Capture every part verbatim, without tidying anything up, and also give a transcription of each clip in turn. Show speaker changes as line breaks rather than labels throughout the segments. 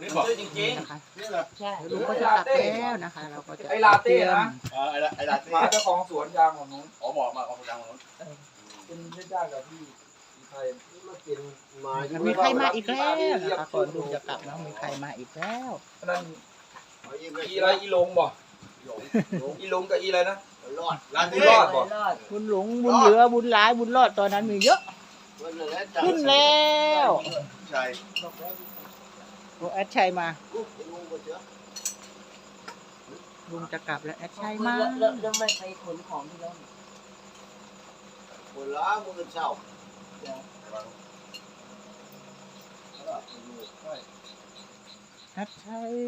ซื้อจริง
นะคะ
นี่แหละ
ใช่ลุงก็จะกลับแล้วนะคะเราก็จะ
ไอ้ลาเต้นะ
เออไอ้ละไอ้ละ
ๆมาเจ้าของสวนยางของนู้น
อ๋อบอกมาของดังของนู้น
เป็นญาติญาติกับพี่ไทย
มากินมา
มีใครมาอีกแล้วนะคะก่อนลุงจะกลับนะมีใครมาอีกแล้ว
นั่น
เอายิ้ม
อีอะไรอีลงบ่อีลงกับอีอะไรนะ
รอดร้าน
บุ
นี้
ญ
ร
ร
อ
อ
ด
ดบ่
บุญหลงบุญเหลือบุญหลายบุญรอดตอนนั้นมีเยอะขึ้นแล้ว
ใช่
โอ้แอดชัยมา
ลุงก็เจอ
ลุงจะกลับแล้วแอดชัยมา
แล้วแล้วไม่ไปขนของที่แล้ว
คนละมือเช้า
แอดชัย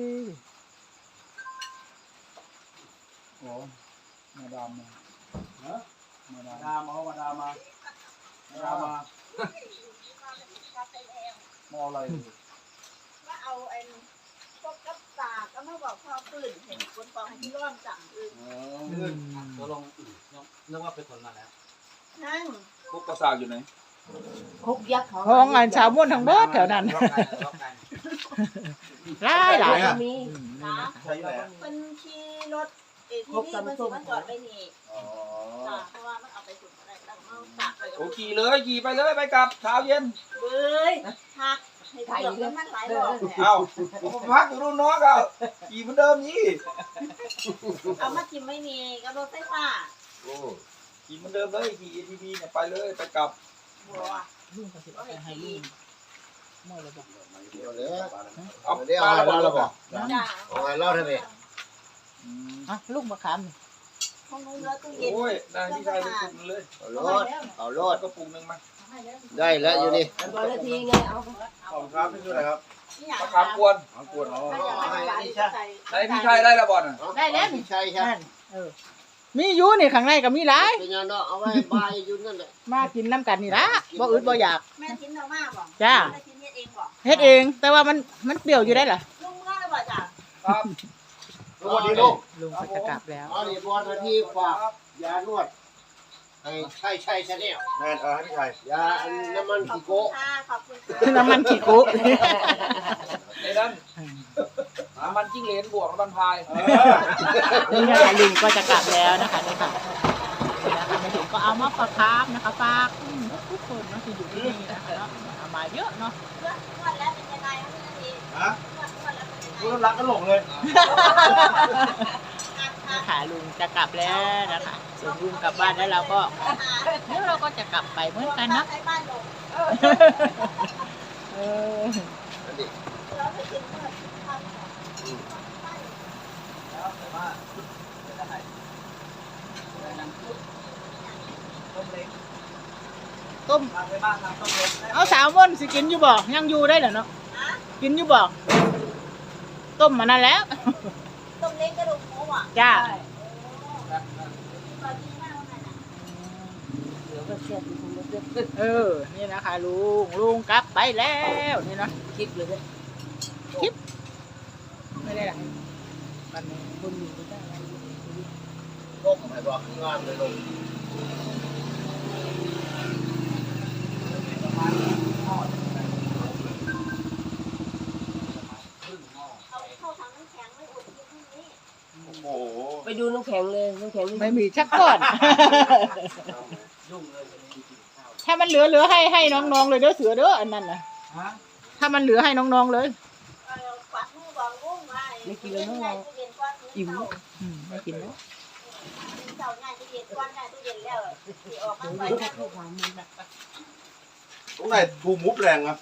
โอ้มาดามมา
ฮะ
มาดาม
ดามเอามาดามมาดามมา
มาเอาอะไร
ว่าเอาไอ้พวกกับตาก็มาบอกพ่อปืนเห็นคนฟองให้ที่ร่อนจังอึ
เออ
อืม
ตัวลงนึกว่าเป็นคนมาแล้ว
นั่ง
พวกกระสากอยู่ไหน
คุกยักษ์เขา
ห้องงานชาวม่วนทั้งเบิดแถวนั้น
รอบกันรอบกัน
หลายหลาย
มี
อืม
นะ
ใช่ไหม
เป็นขี่รถเอทีวีมันสิมันจอดไปนี่
อ๋อ
จ้ะเพราะว่ามันเอาไปสุดอะไรแล้วมันตากไปกับ
โอ้ขี่เลยขี่ไปเลยไปกลับเช้าเย็น
เบ้ยหักให้เกือบแล้วมันหลายรอบเนี่ย
เอ้าผมพักอยู่รุ่นน้องก็ขี่เหมือนเดิมนี่
เอามาทิมไม่นี่กับรถไฟฟ้า
โอ้
ขี่เหมือนเดิมเลยขี่ เอ ที วี เนี่ยไปเลยไปกลับ
บัว
ลุงก็สิเอาไปให้ลุงเมื่อไรบอก
เดี๋ยวเลย
เอา
เดี๋ยว
มา
เอา
แล้ว
อะไร
บอก
เราบอก
จ้า
เอาอะไรเล่าทำไม
อืม
อ่ะลูกมะขามนี่
ห้องนู้นแล้วตู้เย็น
โอ้ยนายพี่ชายไปปรุงเลย
เอาโลดเอาโลด
ก็ปรุงหนึ่งมา
ได้แล้วอยู่นี่
ตอนนาทีไงเอา
ขอบคุณครับพี่ช่วยอะไรครับ
มะขามกวน
เอากวนเอา
นายพี่ชายได้แล้วบอลอ่ะ
ได้แล้ว
พี่ชัยใช่
นั่นเออมีอยู่นี่ข้างในก็มีหลาย
เป็นยังเนาะเอาไว้บายอยู่นั่นแหละ
มากินน้ำกันนี่ละบ่อึดบ่อยาก
แม่ทิ้นเรามากบ่
จ้า
แม่ทิ้นเฮ็ดเองบ่
เฮ็ดเอง แต่ว่ามันมันเปรี้ยวอยู่ได้เหรอ
ลุงเมื่อแล้วบ่จ้า
ครับ
สวัสดีลูก
ลุงก็จะกลับแล้ว
เอาดิบอลนาทีฝากยานวดไอ้ใช่ใช่ชาแนล
แม่เออให้พี่ชาย
ยาน้ำมัน
ขอบ
กิ
คุ
โก้
ณค่ะขอบคุณค่ะ
น้ำมันขี้กุ
ในนั้นน้ำมันจิ้งเหลนบวกน้ำมันพาย
นี่นะคะลุงก็จะกลับแล้วนะคะนี่ค่ะนี่นะคะมาถึงก็เอามาฝากครับนะคะฝากอืมทุกคนเนาะที่อยู่ที่นี่นะคะเนาะเอามาเยอะเนาะ
เมื่อเมื่อแล้วเป็นยังไงคะพี่นาที
ฮะ
เมื่อเมื่อแล้วเป็นยังไง
รู้รักก็หลงเลย
นี่ค่ะลุงจะกลับแล้วนะคะส่วนลุงกลับบ้านแล้วเราก็เดี๋ยวเราก็จะกลับไปเหมือนกันเนาะ
ใช้บ้านลง
เออ
อันนี้
เราไปกินเมื่อทำ
แล้วแต่ว่าจะได้ต้มเล็ก
ต้ม
ทำไปบ้างทำต้มเล็ก
เอาสาวม่นสิกินอยู่บ่ยังอยู่ได้เหรอเนาะกินอยู่บ่ต้มมานั่นแล้ว
ต้มเล็กกระดูกหมูอ่ะ
จ้า
เดี๋ยวก็เสียบอยู่ตรงนี้
เออนี่นะคะลุงลุงกลับไปแล้วนี่เนาะ
คลิปเลยเนี่ย
ไม่ได้หรอกมันคนอยู่ก็ได้
ต้มให้บอกข้างล่างเลยลง
เอาเข้าถังน้ำแข็งไม่อุดกินพรุ่งนี้
โอ้โห
ไปดูน้ำแข็งเลยน้ำแข็งนี่
ไม่มีชักก่อน
ยุ่งเลยวันนี้กินข้าว
ถ้ามันเหลือเหลือให้ให้น้องๆเลยเด้อเสือเด้ออันนั้นนะ
ฮะ
ถ้ามันเหลือให้น้องๆเลย
ปัดมือบอกงุ้งไว้อิ่ม
อืมไม่กินแล้ว
เสาง่ายตู้เย็นก้อนง่ายตู้เย็นแล้วที่ออกมาไป
แค่ทุกวันนี้นะ
ตรงไหนทูมุฟแรงอ่ะ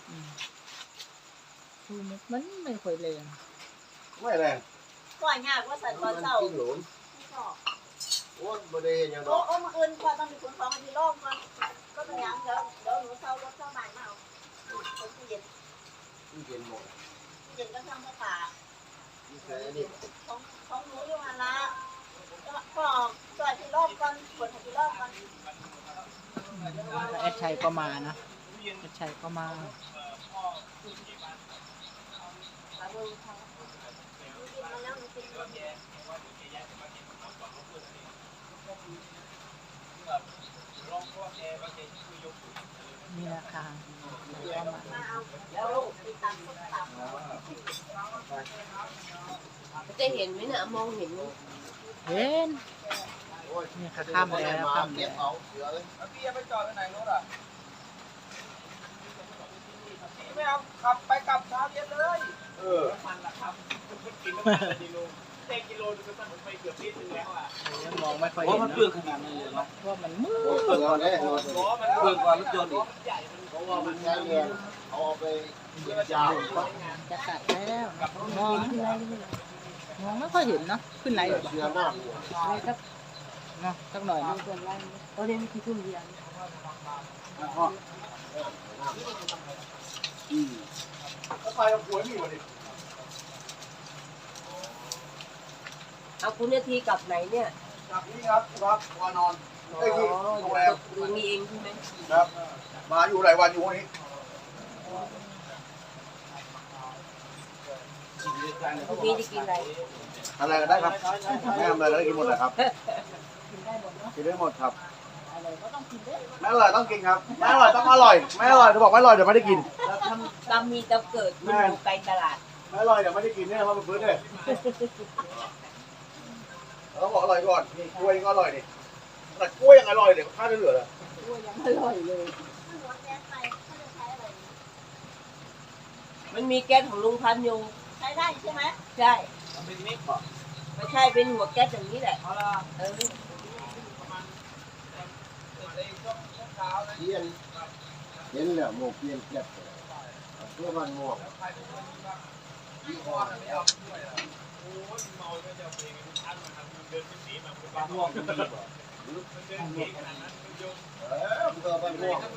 คือมันไม่ค่อยแรง
ไม่แรง
ก้อนยากว่าสันตอนเสา
จิ้งหลุมโอ้บ่ได้เห็นยัง
โอ้
ดอก
โอ้มาอื่นก่อนต้องมีคนฟ้องที่โลกก่อนก็เป็นยังเดี๋ยวเดี๋ยวหนูเศร้ารถเศร้าบ้านมาเอาตู้เย็น
ตู้เย็นหมด
ตู้เย็นก็ทำภาษา
นี่ใส่อันนี้
ของของหนูอยู่มาละก็จอดที่โลกก่อนกดที่โลกก่อน
แอดชัยก็มานะแอดชัยก็มา นี่นะคะก็มา
มาเอาแล้วติดตามส้มตำ
จะเห็นไหมน่ะมองเห็นไหม
เห็นนี่ค่ะค่ำแล้วค่ำ
เก็
แล้
บ
ว
เอาเสือเลย
แล้วพี่จะไปจอดไว้ไหนรถอ่ะพี่ไม่เอาขับไปกลับเช้าเย็นเลย
เออ
มันละครับกินน้ำมันละกิโลเต็มกิโลนึงก็ต้องไปเกือบลิตรนึงแล้วอ่ะ
มองไม่ค่อย
โอ้
เห็น
มัน
เน
เปลือ
อะ
กขนาดนั้นเลยเนาะ
เพราะมันมืด
เสือเลย
ล้อมาแล้วเปลือกกว่ารถยนต์อีก
เพราะว่ามันใช้แรงเอาไปยาว
จะกัดแล้วมองมองไม่ค่อยเห็นเนาะขึ้นไหน
เสือหน้าหัว
อะไรครับ
เนาะสักหน่อย
เอา
เนาะ
เกินไล่ตอนนี้มีกี่ทุ่มเดียว
แล้วใครเอาหวยมีมาดิ
เอาคุณนาทีกลับไหนเนี่ย
จากนี้ครับครับวานอน
อ๋อ
ไอ้ที่โรงแรม
ดูมีเองใช่ไหม
ครับ มาอยู่หลายวันอยู่วันนี้
พรุ่งนี้จะกินอะไร
อะไรก็ได้ครับแม่ทำอะไรก็ได้กินหมดเลยครับ
กินได้หมดเนาะ
กินได้หมดครับ
อะไรก็ต้องกินได้
ไม่อร่อยต้องกินครับไม่อร่อยต้องอร่อยไม่อร่อยจะบอกไม่อร่อยเดี๋ยวไม่ได้กิน
เราทำตามมีตามเกิดมันอยู่ไกลตลาด
ไม่อร่อยเดี๋ยวไม่ได้กินเนี่ยเพราะมันพื้นเลยเราต้องบอกอร่อยก่อนนี่กล้วยก็อร่อยนี่แต่กล้วยยังอร่อยเดี๋ยวข้าวจะเหลือเลย
ยังอร่อยเลย
หัวแก๊สไปเขาจะใช้อะไร
มันมีแก๊สของลุงพันอยู่
ใช้ได้ใช่ไหม
ใช่
มันเป็นมิกบอก
ไม่ใช่เป็นหัวแก๊สอย่างนี้แหละ
เอาละ
เออ
ในช่วงเช้านะ
เทียนเห็นแล้วโมกเทียนเจ็บเพื่อมันม่วง
พี่คอนไม่เอาด้วยอ่ะ
บางห่วงมันดีกว่า
เออเพื่อมันม่วง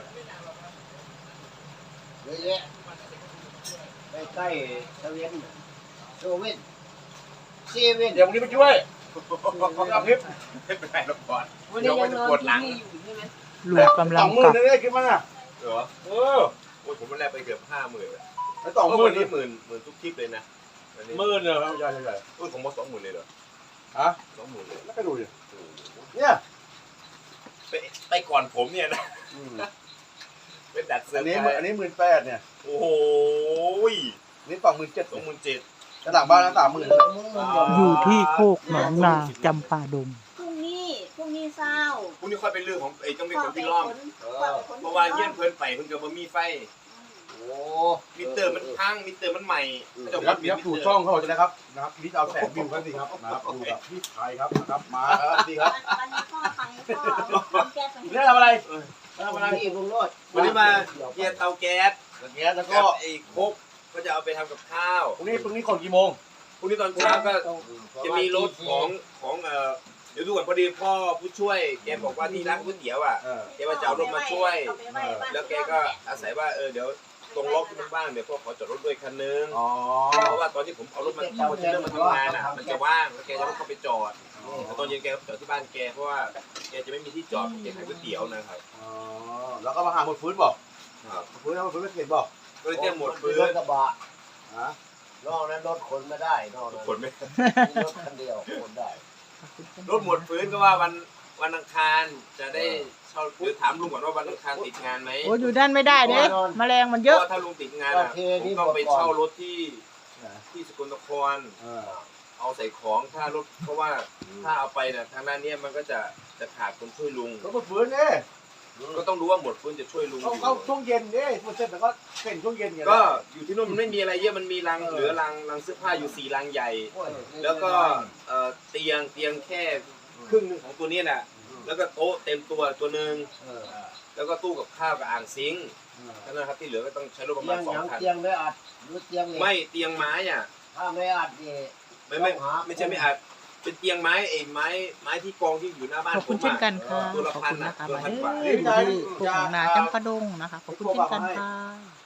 เยอะแยะใกล้ๆเซเว่นโซเว่นเซเว่น
เดี๋ยววันนี้ไปช่วยเอาคลิป
ไม่เป็นไรหรอกก่อน
วันนี้ยังนอนที่นี่อยู่ใช่ไหม
ลูกกำลั
ส
ง
องหมื่
กลั
น
บ
นี่ได้คลิปมั้งอ่ะ
เหรอ
เออ
โอ้ยผมวันแรกไปเกือบห้าหมื่นเลย
ไอ้สองหมื่น
นี่
นี่
หมื่นหมื่นทุกคลิปเลยนะอันนี้
หมื่นเลยครับใหญ่ใหญ่
อุ้ยผมว่าสองหมื่นเลยเหรอ
ฮะ
สองหมื่นเลย
แล้วก็ดูดิเนี่ย
ไปไปก่อนผมเนี่ยนะ
อืม
เป็นดัดเซอ
อัน
ร์
นี้
ไพร
อัน
ส์
นี้หมื่นแปดเนี่ย
โอ้โห
นี่สองหมื่นเจ็ด
สองหมื่นเจ็ด
กระดังบ้านนั้นสามหมื่น
อยู่ที่โคกหนองนาจำปาดง
พรุ่งนี้พรุ่งนี้เศร้า
พรุ่งนี้ค่อยเป็นเรื่องของไอ้ต้องเป็น
พ่
ค
อน ไป
ที่ล้อม
ขนพ่อไปขน
เพราะว่าเยี่ยนเพลินไปเพิ่งจะมามีไฟ
โอ้
มิเตอร์มันพังมิเตอร์มันใหม่ก็จะ
ครับ
เปลี่
เดี๋
ย
ย
น
ว
มิ
ถูก
เตอร์
ช่องเขาจะนะครับนะครับนี่เอาแสนวิวกันสิครับนะครับดูกับพี่ชายครับนะครับมาครับดีครับ
วันนี้พ่อไปพ่อเอาแก๊สไป
เรื่องทำอะไร
ทำอะไรอีกลุงโรด
วันนี้มาเกียร์เตาแก๊ส
อย่างเงี้ยแล้ว
ก็
ก็
ไอ้โคกก็จะเอาไปทำกับข้าว
พรุ่งนี้พรุ่งนี้คนกี่โมง
พรุ่งนี้ตอนเช้าก็จะมีรถของของเอ่อเดี๋ยวดูก่อนพอดีพ่อผู้ช่วยแกบอกว่าที่ร้านก๋วยเตี๋ยวอ่ะ
เออ
แกว่าจะเอารถมาช่วย
เอาไปไว้บ้าน
แล้วแกก็อาศัยว่าเออเดี๋ยวตรงล็อกที่มันว่างเดี๋ยวพ่อขอจอดรถด้วยคันนึง
อ๋อ
เพราะว่าตอนที่ผมเอารถมาเอาเทรลเลอร์มาทำงานอ่ะมันจะว่างแล้วแกจะรถเข้าไปจอดแต่ตอนเย็นแกก็จอดที่บ้านแกเพราะว่าแกจะไม่มีที่จอดแกขายก๋วยเตี๋ยวนะครับ
อ๋อแล้วก็มาหาหมดฟื้นบอก
ครับ
หมดฟื้นแล้วหมดฟื้นไม่เก็บบอก
ก็เลยเตรียมหมดพื้
ร
น
ถกระบะ
ฮะ
นอกนั้นรถขนไม่ได้นอกนั้น
ขนไม่
มีรถคันเดียวขนได้
รถหมดพื้นก็ว่าวันวันอังคารจะได้เช่าเดี๋ยวถามลุงก่อนว่าวันอังคารติดงานไหม
โอ้อยู่ด้านไม่ได้เด้แมลงมัน
เพ
เย
ราะ
อะ
ว่าถ้าลุงติดงานอ่ะผมต้องไปเช่ารถที่ที่สกลนคร
เออ
เอาใส่ของถ้ารถเพราะว่าถ้าเอาไปเนี่ยทางด้านเนี้ยมันก็จะจะขาดคนช่วยลุง
ก็หมดฟื้นเนี่ย
ก็ต้องรู้ว่าหมดฟื้นจะช่วยลุง
เขาเขาช่วงเย็นเนี่ยหมดเสร็จแล้วก็เป็นช่วงเย็นไง
ก็อยู่ที่นู่นมันไม่มีอะไรเยอะมันมีรังเหลือรังรังเสื้อผ้าอยู่สี่รังใหญ่ แล้วก็เอ่อเตียงเตียงแค่ครึ่งหนึงของตัวนี้แหละแล้วก็โต๊ะเต็มตัวตัวหนึ่ง
เออ
แล้วก็ตู้กับข้าวกับอ่างซิงค์เท่านั้นครับที่เหลือก็ต้องใช้รถประ
เตี
มาย ณ
ง
สอง
ยัง
คัน
เตียงไม่อัดหรือเตียงเหล็ก
ไม่เตียงไม้อ่ะ
ถ้าไม่อัดนี่
ไม่ไม่ไม่ใช่ไม่อาจเป็นเตียงไม้ไอ้ไม้ไม้ที่กองที่อยู่หน้าบ้าน
ขอบคุณเช่นกันค่ะ
ตัวละ
ขอบ
พัน
คุณ
นะ
นะคะ
ตัว
มา
ละพันกว่า
เด้ออยู่ที่โคกหนองนาจำปาดงนะคะขอบคุณเช่นกันค่ะ